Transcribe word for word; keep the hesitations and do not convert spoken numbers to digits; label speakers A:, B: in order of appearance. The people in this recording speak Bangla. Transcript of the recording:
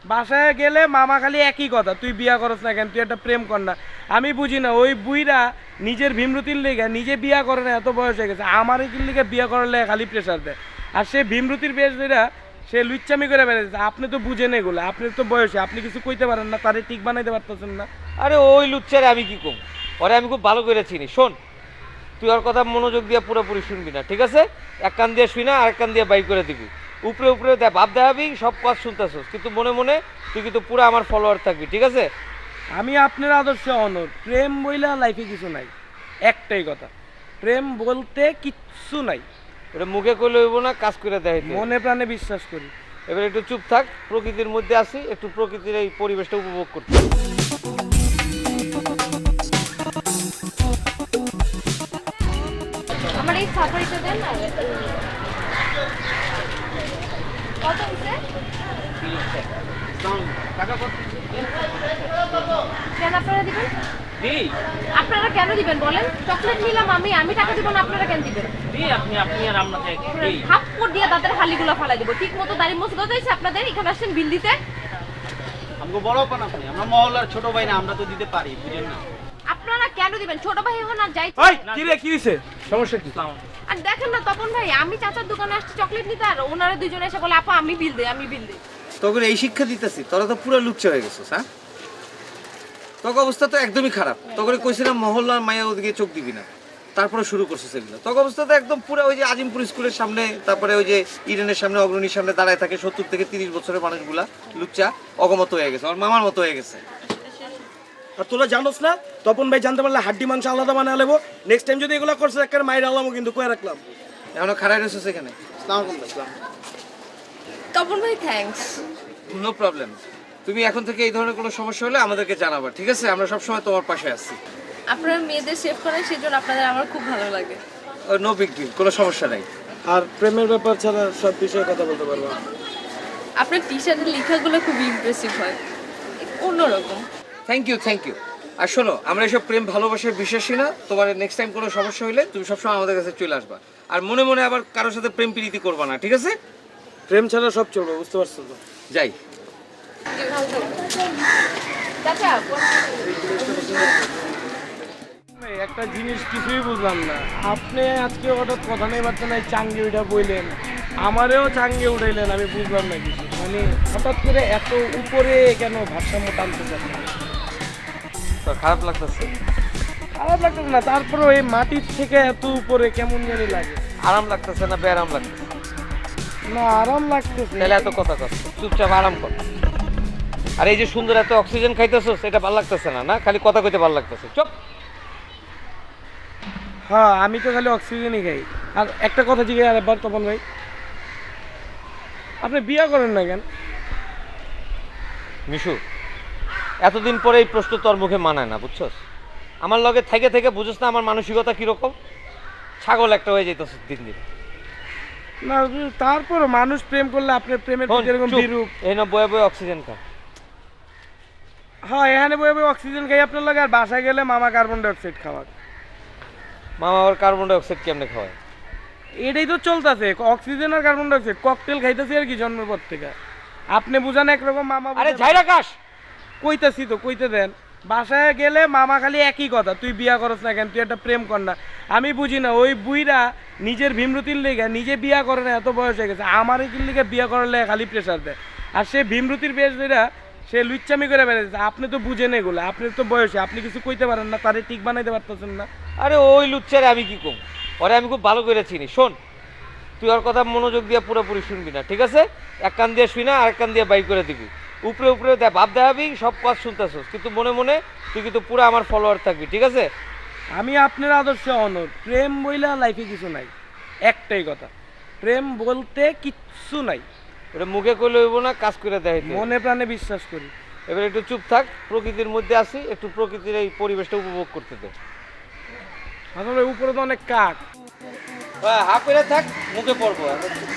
A: বাসায় গেলে মামা খালি একই কথা, তুই বিয়া করস না কেন, তুই একটা প্রেম কর না। আমি বুঝি না ওই বুইরা নিজের ভীমরতির লেগে নিজে বিয়া করে না, এত বয়স হয়ে গেছে, আমার এই লিগে বিয়া করার লেগে খালি প্রেশার দেয়। আর সে ভীমরতির বেশ ধরা সে লুচ্চামি করে বেড়াচ্ছে। আপনি তো বুঝেন এগুলো, আপনি তো বয়সে, আপনি কিছু কইতে পারেন না, তারে ঠিক বানাইতে পারতেছেন না।
B: আরে ওই লুচ্চারে আমি কি কম, ওরে আমি খুব ভালো করে চিনি। শোন, তুই ওর কথা মনোযোগ দিয়ে পুরোপুরি শুনবি না, ঠিক আছে? এক কান দিয়ে শুই না, আরেক কান দিয়ে বাইর করে দিবি। উপরে উপরে ভাব দেখাবি, সব কাজ শুনতেছস, কিন্তু মনে মনে তুই কিন্তু পুরো আমার ফলোয়ার থাকবি, ঠিক আছে?
A: আমি আপনার আদর্শে অনড়। প্রেম বইলা লাইফে কিছু নাই, একটাই কথা, প্রেম বলতে কিচ্ছু নাই।
B: ওটা মুখে করলে হইব না, কাজ করে দেয়।
A: মনে প্রাণে বিশ্বাস করি।
B: এবার একটু চুপ থাক, প্রকৃতির মধ্যে আসি, একটু প্রকৃতির এই পরিবেশটা উপভোগ করতে।
C: আমার এই সাফারিটা দেন না। কত হইছে? কেন আপনারা দিবেন? আপনারা কেন দিবেন বলেন? চকলেট নিলাম আমি, আমি টাকা দিব না, আপনারা কেন দিবেন?
D: আপনি আপনি আর আপনাকে
C: থাপ্পড় দিয়ে দাঁতের হালিগুলো ফালাই দিব। ঠিক মতো দাড়ি মোছ গজাইছে আপনাদের, এখানে আসছেন বিল দিতে।
D: আমাকে বড় পান আপনি, আমরা মহল্লার ছোট ভাই না, আমরা তো দিতে পারি, বুঝেন না?
C: আপনারা কেন দিবেন? ছোট ভাই হন আর যাই।
A: ওই কি রে, কি হইছে? সমস্যা কি?
C: আর দেখেন না তপন ভাই, আমি চাচার দোকানে আসছি চকলেট নিতে, আর ওনারা দুইজনে এসে বলে আপা আমি বিল দেই, আমি বিল দেই।
E: তোকে এই শিক্ষা দিতেছি, তোরা তো পুরো লুচ্চা হয়ে গেছিস। হ্যাঁ, তোকে অবস্থা তো একদমই খারাপ। তোকে কইছিলাম মহল্লার মায়া ওদিকে চোখ দিবি না, তারপরে শুরু করছিস এগুলো। তোকে অবস্থা তো একদম পুরো ওই যে আজিমপুর স্কুলের সামনে, তারপরে ওই যে ইডেনের সামনে, অগ্রণীর সামনে দাঁড়ায় থাকে সত্তর থেকে তিরিশ বছরের মানুষগুলা, লুচ্চা অগমত হয়ে গেছে, ওর মামার মতো হয়ে গেছে।
A: আর তোরা জানোস না, তপন ভাই জানতে পারলে হাড্ডি মাংস আলাদা বানায় লেবো। নেক্সট টাইম যদি এগুলো করছে একটা মাইর আলামও কিন্তু কয়ে রাখলাম।
E: এখনো খারাপ রয়েছে এখানে।
C: তপন ভাই থ্যাঙ্কস।
E: No problem. তুমি এখন থেকে এই ধরনের কোনো সমস্যা হলে আমাদেরকে জানাবা, ঠিক আছে? আমরা সবসময় তোমার পাশে আছি।
C: আপনারা মেয়েদের সেভ করেন, সেজন্য আপনাদের আমার খুব ভালো লাগে।
E: নো বিগ ডিল, কোনো সমস্যা নাই।
A: আর প্রেমের ব্যাপার ছাড়া সব বিষয়ে কথা বলতে পারবো।
C: আপনার টি শার্টের লেখাগুলো খুব ইমপ্রেসিভ হয়, অন্যরকম।
E: Thank you, thank you. আর শোনো, আমরা এসব প্রেম ভালোবাসার বিশ্বাসী না। তোমার নেক্সট টাইম কোনো সমস্যা হলে তুমি সবসময় আমাদের কাছে চলে আসবা। আর মনে মনে আবার কারোর সাথে প্রেম প্রীতি করবা না, ঠিক আছে?
A: প্রেম ছাড়া সব চলবে, বুঝতে পারছো তো?
E: যাই।
A: একটা জিনিস কিছুই বুঝলাম না, আপনি আজকে হঠাৎ কথা নেই বার্তা নাই চাঙ্গে উঠা বইলেন, আমারেও চাঙ্গে উঠাইলেন, আমি বুঝলাম না কিছু। মানে হঠাৎ করে এত উপরে কেন ভারসাম্য টানতে চাচ্ছেন?
B: তোর খারাপ লাগতেছে?
A: খারাপ লাগতেছে না, তারপরে এই মাটির থেকে এত উপরে কেমন জানি লাগে।
B: আরাম লাগতেছে না বেআরাম লাগতেছে?
A: না, আরাম লাগতেছে।
B: তাহলে এত কথা কর, চুপচাপ আরাম কর। আর এই যে সুন্দর এত অক্সিজেন খাইতেছস, এটা ভালো লাগতেছে না? না খালি কথা কইতে ভালো লাগতেছে, চুপ।
A: হ্যাঁ, আমি তো খালি অক্সিজেনই খাই। আর একটা কথা জিজ্ঞাসা আরেকবার, তপন ভাই, আপনি বিয়া করেন না কেন?
B: মিশু, এতদিন পরে এই প্রশ্ন তোর মুখে মানায় না, বুঝছস? আমার লগে থেকে থেকে বুঝছ না আমার মানসিকতা কিরকম? ছাগল একটা হয়ে যেতেছ দিন দিন।
A: না, তারপর মানুষ প্রেম করলে আপনার প্রেমের প্রতি এরকম বিরূপ।
B: এই না বয়ে বয়ে অক্সিজেন খা।
A: হ্যাঁ, এখানে বয়ে বয়ে অক্সিজেন খাই আপনার লাগে, আর বাসায় গেলে মামা কার্বন ডাইঅক্সাইড খাওয়ার।
B: মামা আবার কার্বন ডাইঅক্সাইড কেমনে খাওয়ায়?
A: এটাই তো চলতেছে, অক্সিজেন আর কার্বন ডাইঅক্সাইড ককটেল খাইতেছি আর কি জন্মের পর থেকে। আপনি বুঝান একরকম, মামা
B: আরে ঝাইরা কাশ
A: কইতাছি তো, কইতে দেন। বাসায় গেলে মামা খালি একই কথা, তুই বিয়া করস না কেন, তুই একটা প্রেম কর না। আমি বুঝি না ওই বুইরা নিজের ভীমরতির লেগে নিজে বিয়া করে না, এত বয়স হয়ে গেছে, আমার এই লিগে বিয়া করার লেগে খালি প্রেশার দেয়। আর সে ভীমরতির বেশ ধরা সে লুচ্চামি করে বেড়াচ্ছে। আপনি তো বুঝেন এগুলো, আপনি তো বয়সে, আপনি কিছু কইতে পারেন না, তারে ঠিক বানাইতে পারতেছেন না।
B: আরে ওই লুচ্চারে আমি কি কম, ওরে আমি খুব ভালো করে চিনি। শোন, তুই ওর কথা মনোযোগ দিয়ে পুরোপুরি শুনবি না, ঠিক আছে? এক কান দিয়ে শুই না, আরেক কান দিয়ে বাইর করে দিবি। উপরে উপরে ভাব দেখাবি, সব কাজ শুনতেছস, কিন্তু মনে মনে তুই কিন্তু পুরো আমার ফলোয়ার থাকবি, ঠিক আছে?
A: আমি আপনার আদর্শে অনড়। প্রেম বইলা লাইফে কিছু নাই, একটাই কথা, প্রেম বলতে কিচ্ছু নাই।
B: ওটা মুখে করলে হইব না, কাজ করে দেয়।
A: মনে প্রাণে বিশ্বাস করি।
B: এবার একটু চুপ থাক, প্রকৃতির মধ্যে আসি, একটু প্রকৃতির এই পরিবেশটা উপভোগ করতে দে।
A: আসলে উপরে তো অনেক কাক।
B: হাফ করে থাক, মুখে পড়বো।